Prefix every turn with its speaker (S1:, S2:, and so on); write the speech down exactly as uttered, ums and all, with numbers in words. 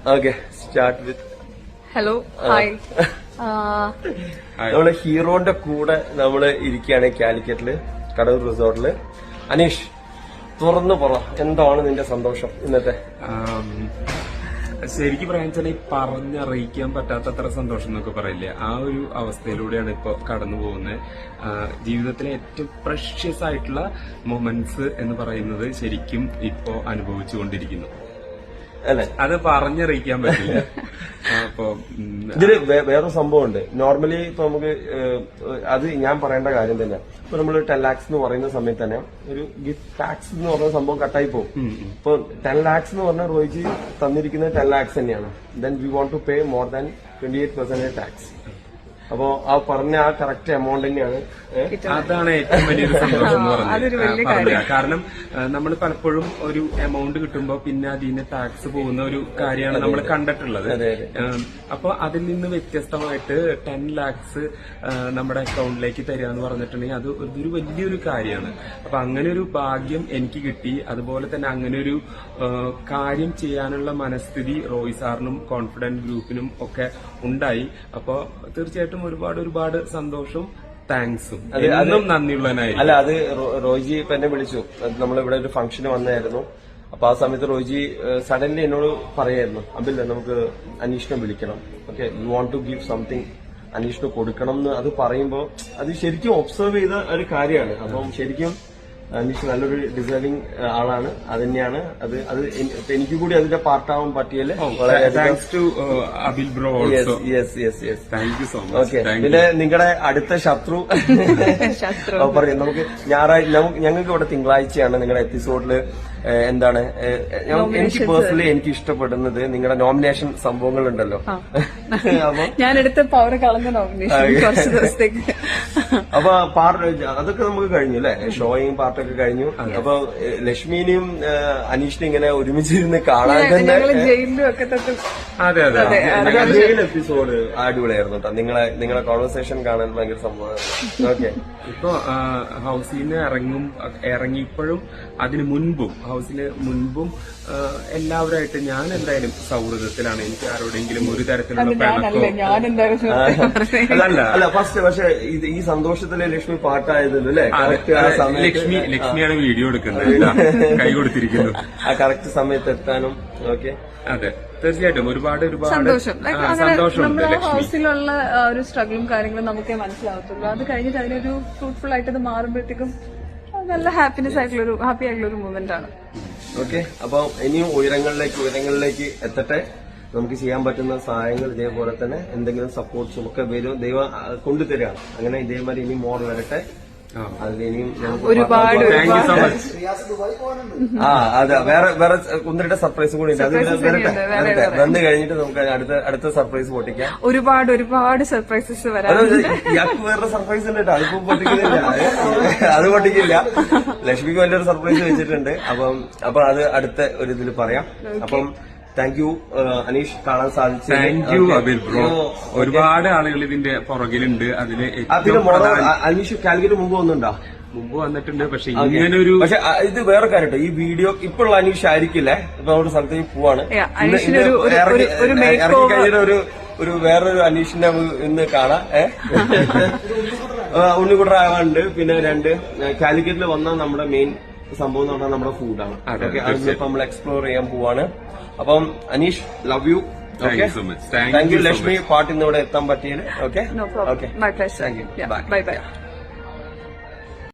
S1: Okay start with
S2: hello hi.
S1: നമ്മള് ഹീറോന്റെ കൂടെ നമ്മള് ഇരിക്കുകയാണ് കാലിക്കറ്റില് കടൂർ റിസോർട്ടില്. അനീഷ്, തുറന്നു പറ, എന്താണ് നിന്റെ സന്തോഷം ഇന്നത്തെ?
S3: ശരിക്കും പറയാൻ വെച്ചാൽ ഈ പറഞ്ഞറിയിക്കാൻ പറ്റാത്തത്ര സന്തോഷം എന്നൊക്കെ പറയില്ലേ, ആ ഒരു അവസ്ഥയിലൂടെയാണ് ഇപ്പൊ കടന്നു പോകുന്നത്. ജീവിതത്തിലെ ഏറ്റവും പ്രഷ്യസ് ആയിട്ടുള്ള മൊമെന്റ്സ് എന്ന് പറയുന്നത് ശരിക്കും ഇപ്പോ അനുഭവിച്ചുകൊണ്ടിരിക്കുന്നു.
S1: അല്ലെ,
S3: അത് പറഞ്ഞറിയിക്കാൻ പറ്റില്ല. അപ്പൊ
S1: ഇതില് വേറെ സംഭവം ഉണ്ട്. നോർമലി ഇപ്പൊ നമുക്ക് അത് ഞാൻ പറയേണ്ട കാര്യം തന്നെ. ഇപ്പൊ നമ്മള് ടെൻ ലാക്സ് എന്ന് പറയുന്ന സമയത്ത് തന്നെ ഒരു ഗിഫ്റ്റ് ടാക്സ് എന്ന് പറയുന്ന സംഭവം കട്ടായി പോകും. ഇപ്പൊ ടെൻ ലാക്സ് എന്ന് പറഞ്ഞാൽ റോയിജി തന്നിരിക്കുന്നത് ടെൻ ലാക്സ് തന്നെയാണ്. Then we won't to pay more than twenty eight percentage tax. അപ്പോ ആ പറഞ്ഞ ആ കറക്റ്റ് എമൗണ്ട് തന്നെയാണ്.
S3: അതാണ് ഏറ്റവും വലിയൊരു സന്തോഷം എന്ന് പറഞ്ഞത്. കാരണം നമ്മൾ പലപ്പോഴും ഒരു എമൗണ്ട് കിട്ടുമ്പോൾ പിന്നെ അതിന് ടാക്സ് പോകുന്ന ഒരു കാര്യമാണ് നമ്മൾ കണ്ടിട്ടുള്ളത്. അപ്പൊ അതിൽ നിന്ന് വ്യത്യസ്തമായിട്ട് ടെൻ ലാക്സ് നമ്മുടെ അക്കൗണ്ടിലേക്ക് തരിക എന്ന് പറഞ്ഞിട്ടുണ്ടെങ്കിൽ അത് ഒരു വലിയൊരു കാര്യമാണ്. അപ്പൊ അങ്ങനെ ഒരു ഭാഗ്യം എനിക്ക് കിട്ടി. അതുപോലെ തന്നെ അങ്ങനെ ഒരു കാര്യം ചെയ്യാനുള്ള മനസ്ഥിതി റോയ് സാറിനും കോൺഫിഡന്റ് ഗ്രൂപ്പിനും ഒക്കെ ഉണ്ടായി. അപ്പൊ തീർച്ചയായിട്ടും ഒരുപാട് ഒരുപാട് സന്തോഷവും താങ്ക്സും എന്നും നന്ദിയുള്ളവനായി.
S1: അല്ല, അത് റോയിജി ഇപ്പൊ എന്നെ വിളിച്ചു. നമ്മളിവിടെ ഒരു ഫംഗ്ഷന് വന്നായിരുന്നു. അപ്പൊ ആ സമയത്ത് റോയിജി സഡൻലി എന്നോട് പറയായിരുന്നു, അബിൽ നമുക്ക് അനീഷിനെ വിളിക്കണം, okay you want to give something, അനീഷിന് കൊടുക്കണം എന്ന്. അത് പറയുമ്പോ അത് ശരിക്കും ഒബ്സർവ് ചെയ്ത ഒരു കാര്യമാണ്. അപ്പം ശരിക്കും അനീഷ് നല്ലൊരു ഡിസേർവിംഗ് ആളാണ്. അത് തന്നെയാണ് അത് അത് എനിക്ക് കൂടി അതിന്റെ പാർട്ടാവാൻ പറ്റിയല്ലേ. ഓക്കെ, പിന്നെ നിങ്ങളുടെ അടുത്ത ശത്രു പറയും. നമുക്ക് ഞായറാഴ്ച ഞങ്ങൾക്ക് ഇവിടെ തിങ്കളാഴ്ചയാണ് നിങ്ങളുടെ എപ്പിസോഡില് എന്താണ് എനിക്ക് പേഴ്സണലി എനിക്ക് ഇഷ്ടപ്പെടുന്നത് നിങ്ങളുടെ നോമിനേഷൻ സംഭവങ്ങൾ ഉണ്ടല്ലോ.
S2: ഞാൻ എടുത്ത പവർ കളഞ്ഞ നോമിനേഷൻ കുറച്ച് ദിവസത്തേക്ക്.
S1: അപ്പൊ പാർട്ട് അതൊക്കെ നമുക്ക് കഴിഞ്ഞു അല്ലെ, ഷോയും പാർട്ടൊക്കെ കഴിഞ്ഞു. അപ്പൊ ലക്ഷ്മിനെയും അനീഷിനെ ഇങ്ങനെ ഒരുമിച്ചിരുന്ന് കാണാൻ തന്നെ
S2: ജയിലിലും ഒക്കെ തൊട്ട്.
S3: അതെ അതെ
S1: ജയിൽ എപ്പിസോഡ് അടിപൊളിയായിരുന്നു കേട്ടോ. നിങ്ങളെ നിങ്ങളെ കോൺവെർസേഷൻ കാണാൻ ഭയങ്കര സംഭവമായിരുന്നു. ഓക്കെ,
S3: ഇപ്പൊ ഹൗസിൽ നിന്ന് ഇറങ്ങും ഇറങ്ങിയപ്പോഴും അതിന് മുൻപും ഹൗസിന് മുൻപും എല്ലാവരുമായിട്ട് ഞാൻ എന്തായാലും സൗഹൃദത്തിലാണ്. എനിക്ക് ആരോടെങ്കിലും ഒരു തരത്തിലുള്ള
S1: അല്ല അല്ല ഫസ്റ്റ് പക്ഷെ ഈ സന്തോഷത്തിലെ ലക്ഷ്മി പാട്ടായതല്ലോ അല്ലെ.
S3: ലക്ഷ്മി ലക്ഷ്മിയാണ് വീഡിയോ എടുക്കുന്നത്, കൈ കൊടുത്തിരിക്കുന്നു
S1: ആ കറക്റ്റ് സമയത്ത് എത്താനും. ഓക്കെ,
S3: അതെ തീർച്ചയായിട്ടും ഒരുപാട് ഒരുപാട്
S2: സന്തോഷം.
S3: സന്തോഷമുണ്ട്.
S2: നമ്മുടെ ഹൗസിലുള്ള ഒരു സ്ട്രഗിളും കാര്യങ്ങളും നമുക്കേ മനസ്സിലാവത്തുള്ളൂ. അത് കഴിഞ്ഞിട്ട് അതിനൊരു ഫ്രൂട്ട്ഫുൾ ആയിട്ട് അത് മാറുമ്പോഴത്തേക്കും നല്ല ഹാപ്പിനെസ് ആയിട്ടുള്ള ഒരു ഹാപ്പി ആയിട്ടുള്ള ഒരു മൂവ്മെന്റ് ആണ്.
S1: ഓക്കെ, അപ്പൊ ഇനിയും ഉയരങ്ങളിലേക്ക് ഉയരങ്ങളിലേക്ക് എത്തട്ടെ. നമുക്ക് ചെയ്യാൻ പറ്റുന്ന സഹായങ്ങൾ ഇതേപോലെ തന്നെ എന്തെങ്കിലും സപ്പോർട്ട്സും ഒക്കെ വരും, ദൈവം കൊണ്ടുതരികയാണ്. അങ്ങനെ ഇതേമാതിരി ഇനി മോർ വരട്ടെ. അതിലിനിയും
S2: ഒരുപാട്
S1: ആ അതെ വേറെ വേറെ ഒന്നിരുടെ സർപ്രൈസ് കൂടി ഉണ്ട്. അത് വരട്ടെ വരട്ടെ വന്നു കഴിഞ്ഞിട്ട് നമുക്ക് അടുത്ത അടുത്ത സർപ്രൈസ് പൊട്ടിക്കാം.
S2: ഒരുപാട് ഒരുപാട് സർപ്രൈസസ് വരാം.
S1: ഇയാൾക്ക് വേറെ സർപ്രൈസ് ഉണ്ട് കേട്ടോ. അതിപ്പോ പൊട്ടിക്കുന്നില്ല, അത് പൊട്ടിക്കില്ല. ലക്ഷ്മിക്ക് വലിയൊരു സർപ്രൈസ് വെച്ചിട്ടുണ്ട്. അപ്പം അപ്പൊ അത് അടുത്ത ഒരു ഇതിൽ പറയാം. അപ്പം താങ്ക് യു അനീഷ്, കാണാൻ സാധിച്ചു.
S3: Thank you Abil bro. ഒരുപാട് ആളുകൾ ഇതിന്റെ പുറകിലുണ്ട്. അതില്
S1: അനീഷ് കാലിക്കറ്റ് മുമ്പ് വന്നിട്ടുണ്ടോ?
S3: മുമ്പ് വന്നിട്ടുണ്ട്. പക്ഷെ ഇങ്ങനെ ഒരു
S1: പക്ഷെ ഇത് വേറെ കാര്യം കേട്ടോ. ഈ വീഡിയോ ഇപ്പോഴുള്ള അനീഷ് ആയിരിക്കില്ലേ. ഇപ്പൊ നമ്മുടെ സ്ഥലത്തേക്ക് പോവാണ്. ഇറങ്ങി കഴിഞ്ഞിട്ട് ഒരു ഒരു വേറൊരു അനീഷിനെ ഇന്ന് കാണാം. ഏഹ് ഉണ്ണിക്കുട്ടറാവാണ്ട്. പിന്നെ രണ്ട് കാലിക്കറ്റിൽ വന്ന നമ്മുടെ മെയിൻ സംഭവം എന്ന് പറഞ്ഞാൽ നമ്മുടെ ഫുഡാണ്. ഓക്കെ, അതിപ്പോ നമ്മൾ എക്സ്പ്ലോർ ചെയ്യാൻ പോവാണ്. അപ്പം Aneesh, love you. Okay, thank you Lakshmi, പാട്ടിന്ന് ഇവിടെ എത്താൻ പറ്റിയത്. Okay okay,
S2: bye by.